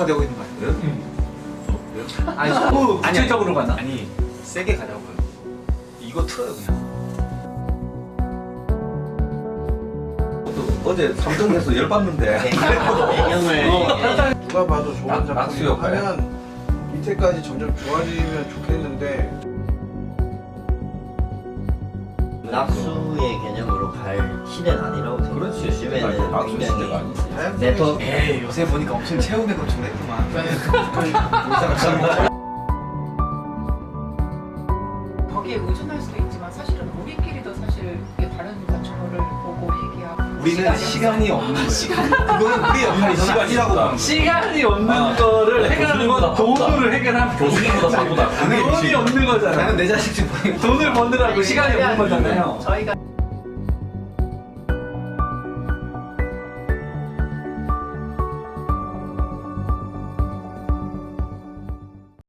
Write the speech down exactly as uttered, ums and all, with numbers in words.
되고 있는 거 아니에요? 응. 아니 너무 아니, 구체적으로 가나? 아니 세게 가자고요. 이거 틀어요 그냥. 어제 삼성에서 열받는데 배경을 누가 봐도 좋은 낙- 작품이 낙수효과야? 하면 밑에까지 점점 좋아지면 좋겠는데 낙수의 개념으로 갈 시대는 아니라고 생각해요. 그렇지. 요즘에는 낙수 시대가 굉장히 아니지. 네트워크 에이 요새 보니까 엄청 채우는 거 좋겠구만. 거기에 의존할 수도 있지만 사실은 우리끼리도 사실 이게 다른 건축물을 보고 얘기하고 우리는 시간이 없는 거예요. 그거는 우리 역할이 시간이 아니라고 없다. 봐. 시간이 없는 아, 거를 그래, 해결하는 건 교수님보다 돈으로 해결하면 교수님보다 바보다. 돈이 없는 거잖아. 나는 내 자식 좀 보니까 돈을 버느라고 시간이 없는 거잖아요. 저희가